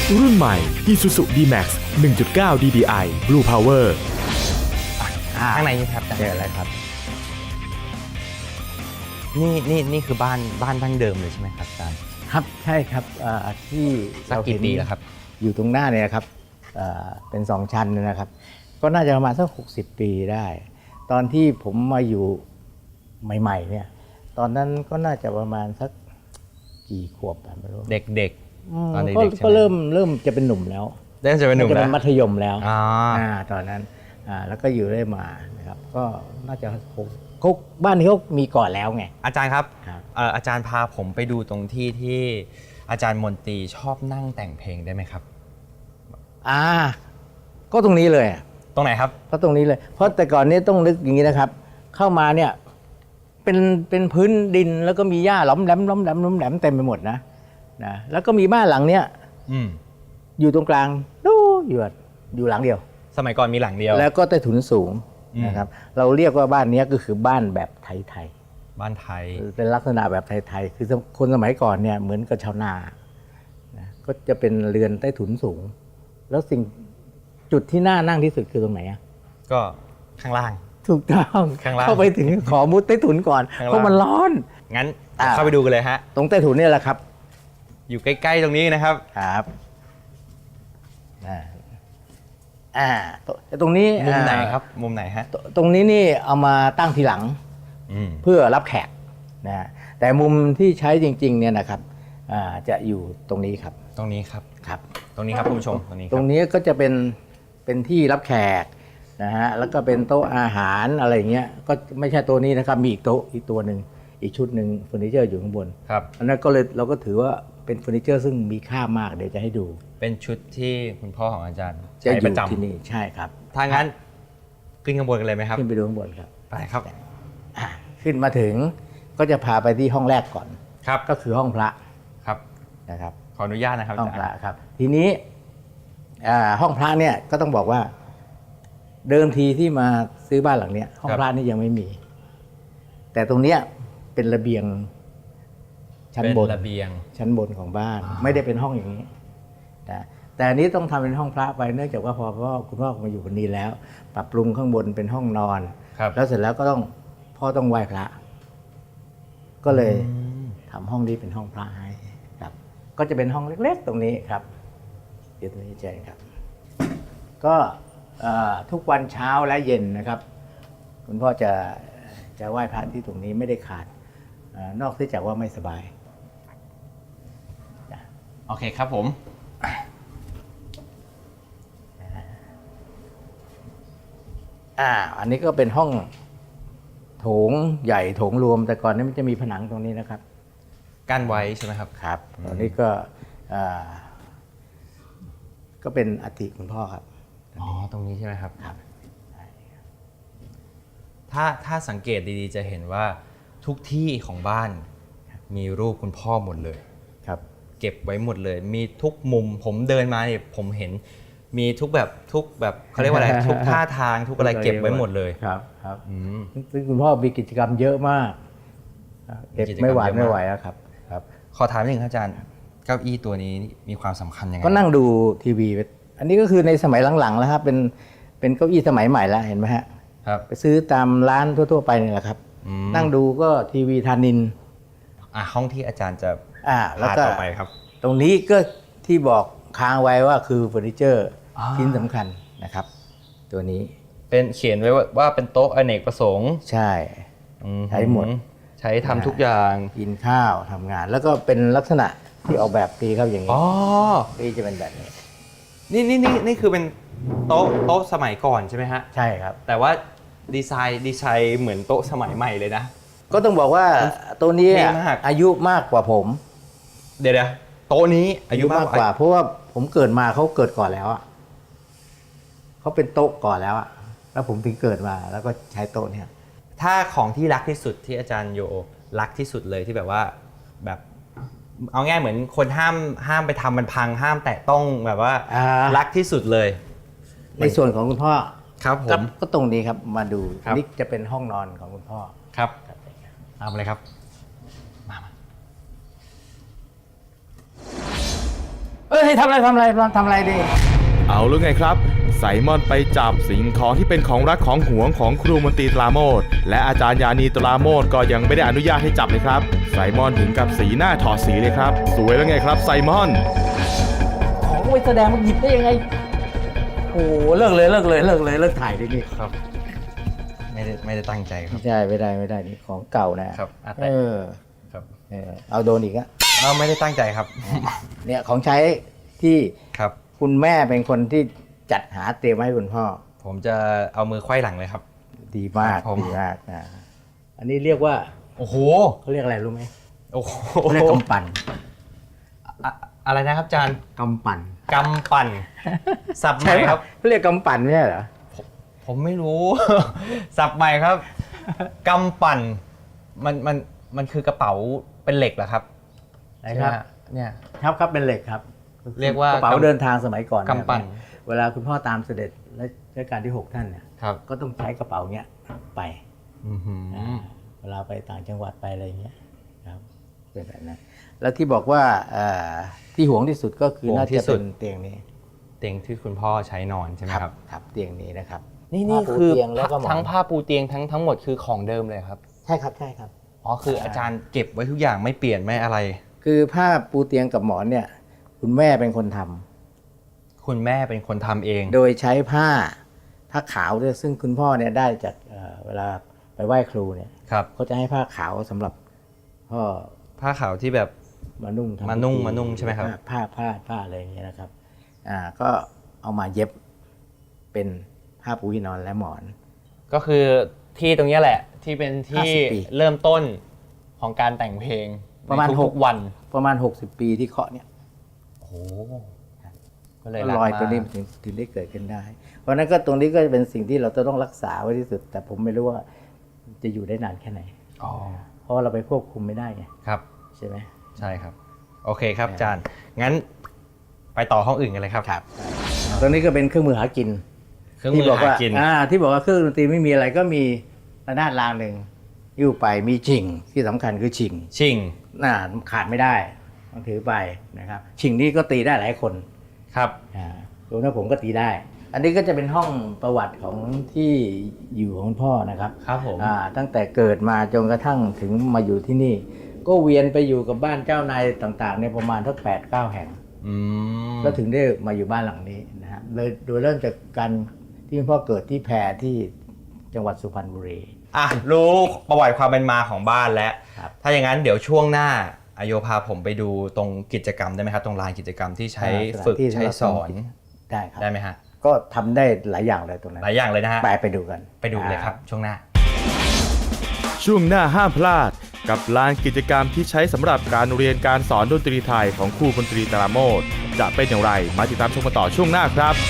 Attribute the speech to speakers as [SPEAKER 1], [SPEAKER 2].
[SPEAKER 1] รุ่นใหม่ Isuzu D-Max 1.9 DDI Blue Power
[SPEAKER 2] ข้างในนี่ครับเจออะไรครับ นี่คือบ้านดั้งเดิมเลยใช่ไหมครับอาจารย์
[SPEAKER 3] ครับใช่ครับที่
[SPEAKER 2] สักกี่ปีแล้วครับ
[SPEAKER 3] อยู่ตรงหน้าเนี่ยครับเป็น2 ชั้นนะครับ ก็น่าจะประมาณสัก60 ปีได้ ตอนที่ผมมาอยู่ใหม่ๆเนี่ยตอนนั้นก็น่าจะประมาณสักกี่ขวบไม่รู้
[SPEAKER 2] เด็กๆตอนเด็กๆใช่ไหม
[SPEAKER 3] ก็เริ่มจะเป็นหนุ่มแล้ว
[SPEAKER 2] เริ่มจะเป็นหนุ่ม
[SPEAKER 3] จะ
[SPEAKER 2] แล้
[SPEAKER 3] เป็
[SPEAKER 2] วน
[SPEAKER 3] มัธยมแล้ว
[SPEAKER 2] อ๋อ
[SPEAKER 3] ตอนนั้นแล้วก็อยู่ได้มานะครับก็น่าจะเขาบ้านนี้เขามีก่อนแล้วไง
[SPEAKER 2] อาจารย์ครับ
[SPEAKER 3] ครับ
[SPEAKER 2] อาจารย์พาผมไปดูตรงที่อาจารย์มนตรีชอบนั่งแต่งเพลงได้ไหมครับ
[SPEAKER 3] ก็ตรงนี้เลย
[SPEAKER 2] ตรงไหนครับ
[SPEAKER 3] ก็ตรงนี้เลย เพราะแต่ก่อนนี้ต้องนึกอย่างนี้นะครับ เข้ามาเนี่ยเป็นพื้นดินแล้วก็มีหญ้าหล้อมแหลมเต็มไปหมดนะแล้วก็มีบ้านหลังเนี้ย
[SPEAKER 2] อืม
[SPEAKER 3] อยู่ตรงกลางอยู่หลังเดียว
[SPEAKER 2] สมัยก่อนมีหลังเดียว
[SPEAKER 3] แล้วก็ใต้ถุนสูงนะครับ เราเรียกว่าบ้านนี้ก็คือบ้านแบบไทย
[SPEAKER 2] บ้านไทย
[SPEAKER 3] ๆเป็นลักษณะแบบไทยๆคือคนสมัยก่อนเนี่ยเหมือนกับชาวนาก็จะเป็นเรือนใต้ถุนสูง แล้วจุดที่น่านั่งที่สุดคือตรงไหนอะ
[SPEAKER 2] ก็ข้างล่าง
[SPEAKER 3] ถูกต้อง
[SPEAKER 2] ข้างล่าง
[SPEAKER 3] เข้าไปถึงขอมุดใต้ถุนก่อน
[SPEAKER 2] ข้างล่าง
[SPEAKER 3] เพราะมันร้อน
[SPEAKER 2] งั้นเข้าไปดูกันเลยฮะ
[SPEAKER 3] ตรงใต้ถุนเนี่ยแหละครับ
[SPEAKER 2] อยู่ใกล้ๆตรงนี้นะครับ
[SPEAKER 3] ครับตรงนี้
[SPEAKER 2] มุมไหนครับ มุมไหนฮะ
[SPEAKER 3] ตรงนี้นี่เอามาตั้งทีหลัง
[SPEAKER 2] อืม
[SPEAKER 3] เพื่อรับแขกนะแต่มุมที่ใช้จริงๆเนี่ยนะครับจะอยู่ตรงนี้ครับ
[SPEAKER 2] ตรงนี้ครับ
[SPEAKER 3] ครับ
[SPEAKER 2] ตรงนี้ครับคุณผู้ชม ตรงนี้ค
[SPEAKER 3] ตร
[SPEAKER 2] รับ
[SPEAKER 3] งนี้ก็จะเป็นที่รับแขกนะฮะแล้วก็เป็นโต๊ะอาหารอะไรอย่างเงี้ยก็ไม่ใช่ตัวนี้นะครับมีอีกโต๊ะอีกตัวหนึ่งอีกชุดหนึ่งเฟอร์นิเจอร์อยู่ข้างบน
[SPEAKER 2] ครับ
[SPEAKER 3] อันนั้นก็เลยเราก็ถือว่าเป็นเฟอร์นิเจอร์ซึ่งมีค่ามากเดี๋ยวจะให้ดู
[SPEAKER 2] เป็นชุดที่คุณพ่อของอาจารย์
[SPEAKER 3] จะ
[SPEAKER 2] ใช้
[SPEAKER 3] อ
[SPEAKER 2] ป
[SPEAKER 3] ยู่
[SPEAKER 2] ระจำ
[SPEAKER 3] ที่นี่ใช่ครับ
[SPEAKER 2] ถ้างั้นขึ้นข้างบนกันเลยไหมครับ
[SPEAKER 3] ขึ้นไปดูข้างบนครับ
[SPEAKER 2] ไปครับ
[SPEAKER 3] ขึ้นมาถึงก็จะพาไปที่ห้องแรกก่อน
[SPEAKER 2] ครับ
[SPEAKER 3] ก็คือห้องพระ
[SPEAKER 2] ครับ
[SPEAKER 3] นะครับ
[SPEAKER 2] ขออนุญาตนะครับ
[SPEAKER 3] ห้อง
[SPEAKER 2] อา
[SPEAKER 3] พ
[SPEAKER 2] จาร
[SPEAKER 3] ระ
[SPEAKER 2] ย์
[SPEAKER 3] ครับ ทีนี้ห้องพระเนี่ยก็ต้องบอกว่า เดิมทีที่มาซื้อบ้านหลังเนี้ยห้องพระนี่ยังไม่มี แต่ตรงเนี้ยเป็นระเบียงชั้นบน
[SPEAKER 2] เป็นระเบียง
[SPEAKER 3] ชั้นบนของบ้าน ไม่ได้เป็นห้องอย่างนี้นะแต่อันนี้ต้องทำเป็นห้องพระไปเนื่องจากว่าพอคุณพ่อมาอยู่คนนี้แล้ว ปรับปรุงข้างบนเป็นห้องนอน
[SPEAKER 2] ครับ
[SPEAKER 3] แล้วเสร็จแล้วก็พ่อต้องไหว้พระ ก็เลยทำห้องนี้เป็นห้องพระให้ครับ ก็จะเป็นห้องเล็กๆตรงนี้ครับเดี๋ยวตรงนี้เจนครับ ก็ทุกวันเช้าและเย็นนะครับ คุณพ่อจะไหว้พระที่ตรงนี้ไม่ได้ขาดนอกจากว่าไม่สบาย
[SPEAKER 2] โอเคครับผม
[SPEAKER 3] อันนี้ก็เป็นห้องโถงใหญ่โถงรวม แต่ก่อนนี้มันจะมีผนังตรงนี้นะครับ
[SPEAKER 2] กั้นไว้ใช่ไหมครับ
[SPEAKER 3] ครับตอนนี้ก็เป็นอัฐิคุณพ่อครับ
[SPEAKER 2] อ๋อ ตรงนี้ใช่ไหมครับ
[SPEAKER 3] ครับ
[SPEAKER 2] ถ้าสังเกตดีๆจะเห็นว่าทุกที่ของบ้านมีรูปคุณพ่อหมดเลย
[SPEAKER 3] ครับ
[SPEAKER 2] เก็บไว้หมดเลย มีทุกมุมผมเดินมาเนี่ยผมเห็นมีทุกแบบเขาเรียกว่าอะไร ทุกท่าทางทุกอะไรเก็บไว้หมดเลย
[SPEAKER 3] ครับครับ
[SPEAKER 2] อืม
[SPEAKER 3] ซึ่งคุณพ่อมีกิจกรรมเยอะมากเก็บไม่หวาด
[SPEAKER 2] มีกิจกรรมเยอะมาก
[SPEAKER 3] ไม่ไหวอะครับครับ
[SPEAKER 2] ขอถามนิดนึงครับอาจารย์ เก้าอี้ตัวนี้มีความสำคัญยังไง
[SPEAKER 3] ก็นั่งดูทีวีไปอันนี้ก็คือในสมัยหลังๆแล้วครับเป็นเก้าอี้สมัยใหม่แล้วเห็นไหมฮะ
[SPEAKER 2] ครับ
[SPEAKER 3] ไปซื้อตามร้านทั่วๆไปนี่แหละครับ
[SPEAKER 2] อืม
[SPEAKER 3] นั่งดูก็ทีวีธานิน
[SPEAKER 2] ห้องที่อาจารย์จะ
[SPEAKER 3] แล้ว
[SPEAKER 2] พา
[SPEAKER 3] ก็
[SPEAKER 2] ต่อไปครับ
[SPEAKER 3] ตรงนี้ก็ที่บอกค้างไว้ว่าคือเฟอร์นิเจอร์
[SPEAKER 2] อ่า
[SPEAKER 3] ชิ้นสำคัญนะครับ ตัวนี้
[SPEAKER 2] เป็นเขียนไว้ว่าเป็นโต๊ะอเนกประสงค์
[SPEAKER 3] ใช่
[SPEAKER 2] อื
[SPEAKER 3] ใช้หมด
[SPEAKER 2] ใช้ทำทุกอย่าง
[SPEAKER 3] กินข้าวทำงาน แล้วก็เป็นลักษณะที่ออกแบบดีครับอย่างนี้
[SPEAKER 2] อ๋อ
[SPEAKER 3] นี่จะเป็นแบบนี้
[SPEAKER 2] นี่คือเป็นโต๊ะสมัยก่อนใช่ไหมฮะ
[SPEAKER 3] ใช่ครับ
[SPEAKER 2] แต่ว่าดีไซน์เหมือนโต๊ะสมัยใหม่เลยนะ
[SPEAKER 3] ก็ต้องบอกว่าตัวนี้
[SPEAKER 2] ดีมาก
[SPEAKER 3] อายุมากกว่าผม
[SPEAKER 2] เดี๋ยวโต๊ะนี้อายุมากกว่า
[SPEAKER 3] เพราะว่าผมเกิดมาเขาเกิดก่อนแล้วอ่ะเขาเป็นโต๊ะก่อนแล้วอ่ะแล้วผมถึงเกิดมาแล้วก็ใช้โต๊ะเนี่ย
[SPEAKER 2] ถ้าของที่รักที่สุดที่อาจารย์โยรักที่สุดเลยที่แบบว่าแบบเอาง่ายเหมือนคนห้ามไปทำมันพังห้ามแตะต้องแบบว่ารักที่สุดเลย
[SPEAKER 3] ในส่วนของคุณพ่อ
[SPEAKER 2] ครับผม
[SPEAKER 3] ก็ตรงนี้ครับมาดู
[SPEAKER 2] ครับ
[SPEAKER 3] นี่จะเป็นห้องนอนของคุณพ่อ
[SPEAKER 2] ครับเอาเลยครับมา
[SPEAKER 3] ฮ้ยทำอะไรดี
[SPEAKER 1] เอาแล้วไงครับ ไซมอนไปจับสิ่งของที่เป็นของรักของหวงของครูมนตรีตราโมดและอาจารย์ยานีตราโมดก็ยังไม่ได้อนุญาตให้จับเลยครับ ไซมอนถึงกับสีหน้าถอดสีเลยครับ สวยแล้วไงครับไซมอน
[SPEAKER 3] ของไปแสดงมันหยิบได้ยังไงโอ้เลิกเลยเลิกถ่ายดินี่
[SPEAKER 2] ครับ ไม่ได้ตั้งใจครับ
[SPEAKER 3] ไม่ได้นี่ของเก่านะครับ
[SPEAKER 2] แต่ ครับ
[SPEAKER 3] เอาโดนอีกอะ
[SPEAKER 2] ไม่ได้ตั้งใจครับ
[SPEAKER 3] เนี่ยของใช้ที่
[SPEAKER 2] ครับ
[SPEAKER 3] คุณแม่เป็นคนที่จัดหาเตรียมไว้ให้คุณพ่อ
[SPEAKER 2] ผมจะเอามือไขว้หลังเลยครับ
[SPEAKER 3] ดีมาก
[SPEAKER 2] ครับผม
[SPEAKER 3] ดีมากนะอันนี้เรียกว่า
[SPEAKER 2] โอ้โห
[SPEAKER 3] เขาเรียกอะไรรู้ไหม
[SPEAKER 2] โอ้โห
[SPEAKER 3] เขาเรียกกำปั่น
[SPEAKER 2] อะไรนะครับอาจารย์
[SPEAKER 3] กำปั่น
[SPEAKER 2] กำปั่นสับใหม่
[SPEAKER 3] ใช่ไหม
[SPEAKER 2] ครับ
[SPEAKER 3] เขาเรียกกำปั่นไม่ใช่เหรอ
[SPEAKER 2] ผมไม่รู้ สับใหม่ครับกำปั่นมันคือกระเป๋าเป็นเหล็กเหรอครับ
[SPEAKER 3] นะครับ
[SPEAKER 2] ใช่หมเนี่ย
[SPEAKER 3] ครับเป็นเหล็กครับ
[SPEAKER 2] เรียกว่าก
[SPEAKER 3] ระเป๋าเดินทางสมัยก่อน
[SPEAKER 2] กำปั่น
[SPEAKER 3] เวลาคุณพ่อตามเสด็จรัชกาลที่ 6 ท่านเนี่ย
[SPEAKER 2] ครับ
[SPEAKER 3] ก็ต้องใช้กระเป๋าเนี้ยไป
[SPEAKER 2] อื้อหือ
[SPEAKER 3] เวลาไปต่างจังหวัดไปอะไรอย่างเงี้ยครับเป็นแบบนั้นแล้วที่บอกว่าที่ห่วงที่สุดก็คือน่าจะเป็นเตียงนี้
[SPEAKER 2] เตียงที่คุณพ่อใช้นอนใช่ไหมครับ
[SPEAKER 3] ครับเตียงนี้นะครับ
[SPEAKER 2] นี่
[SPEAKER 3] ผ้าปู
[SPEAKER 2] คือ
[SPEAKER 3] เตียงแล้วก็หมอน
[SPEAKER 2] ทั้งผ้าปูเตียงทั้งหมดคือของเดิมเลยครับ
[SPEAKER 3] ใช่ครับ
[SPEAKER 2] อ๋อคืออาจารย์เก็บไว้ทุกอย่างไม่เปลี่ยนไม่อะไร
[SPEAKER 3] คือผ้าปูเตียงกับหมอนเนี่ยคุณแม่เป็นคนทำ
[SPEAKER 2] คุณแม่เป็นคนทำเอง
[SPEAKER 3] โดยใช้ผ้าขาวด้วยซึ่งคุณพ่อเนี่ยได้จากเวลาไปไหว้ครูเนี่ย
[SPEAKER 2] ครับ
[SPEAKER 3] เขาจะให้ผ้าขาวสำหรับพ่อ
[SPEAKER 2] ผ้าขาวที่แบบ
[SPEAKER 3] มานุ่งทำ
[SPEAKER 2] มานุ่ง
[SPEAKER 3] พิธี
[SPEAKER 2] มานุ่งใช่ไหมครับ
[SPEAKER 3] ผ้าอะไรอย่างเงี้ยนะครับก็เอามาเย็บเป็นผ้าปูที่นอนและหมอน
[SPEAKER 2] ก็คือที่ตรงเนี้ยแหละที่เป็นที่
[SPEAKER 3] 50 ปี
[SPEAKER 2] เริ่มต้นของการแต่งเพลง
[SPEAKER 3] ประมาณ
[SPEAKER 2] ในทุกๆวัน
[SPEAKER 3] ประมาณ 60 ปีที่เคาะเนี่ย
[SPEAKER 2] โอ้โหก็เลย
[SPEAKER 3] ก็
[SPEAKER 2] รัก
[SPEAKER 3] รอย
[SPEAKER 2] มา
[SPEAKER 3] ตัวนี้
[SPEAKER 2] ก
[SPEAKER 3] มันถึงได้เกิดขึ้นได้ เพราะฉะนั้นก็ตรงนี้ก็จะเป็นสิ่งที่เราจะต้องรักษาไว้ที่สุด แต่ผมไม่รู้ว่าจะอยู่ได้นานแค่ไหน
[SPEAKER 2] อ๋อ
[SPEAKER 3] เพราะว่าเราไปควบคุมไม่ได้ไง
[SPEAKER 2] ครับ
[SPEAKER 3] ใช่ไหม
[SPEAKER 2] ใช่ครับ โอเคครับอาจารย์ งั้นไปต่อห้องอื่นกันเลยครับ
[SPEAKER 3] ตรงนี้ก็เป็นเครื่องมือหากิน
[SPEAKER 2] เครื่องมือหากิน
[SPEAKER 3] ที่บอกว่าเครื่องดนตรีไม่มีอะไรก็มีระนาดรางหนึ่งอยู่ไปมีชิงที่สำคัญคือชิง
[SPEAKER 2] ชิง
[SPEAKER 3] ขาดไม่ได้ต้องถือไปนะครับชิงนี่ก็ตีได้หลายคน
[SPEAKER 2] ครับ
[SPEAKER 3] รวมทั้งผมก็ตีได้ อันนี้ก็จะเป็นห้องประวัติของที่อยู่ของคุณพ่อนะครับ
[SPEAKER 2] ครับผม
[SPEAKER 3] ตั้งแต่เกิดมาจนกระทั่งถึงมาอยู่ที่นี่ ก็เวียนไปอยู่กับบ้านเจ้านายต่างๆในยประมาณทั้ง8-9 แห่ง
[SPEAKER 2] อืม
[SPEAKER 3] ก็ถึงได้มาอยู่บ้านหลังนี้นะฮะเลยโดยเริ่มจากการที่คุณพ่อเกิดที่แพรที่จังหวัดสุพรรณบุรี
[SPEAKER 2] รู้ประวัติความเป็นมาของบ้านแล้ว
[SPEAKER 3] ครับ
[SPEAKER 2] ถ้าอย่างนั้นเดี๋ยวช่วงหน้าอโยพาผมไปดูตรงกิจกรรมได้ไหมครับ ตรงลานกิจกรรมที่ใช้ฝึกใช้สอน
[SPEAKER 3] ได้ครับ
[SPEAKER 2] ได้ไหมฮะ
[SPEAKER 3] ก็ทำได้หลายอย่างเลยตรงนั้น
[SPEAKER 2] หลายอย่างเลยนะฮะ
[SPEAKER 3] ไปดูกัน
[SPEAKER 2] ไปดูเลยครับ ช่วงหน้า
[SPEAKER 1] ช่วงหน้าห้ามพลาด กับลานกิจกรรมที่ใช้สำหรับการเรียนการสอนดนตรีไทยของครูมนตรีตราโมดจะเป็นอย่างไรมาติดตามชมกันต่อช่วงหน้าครับ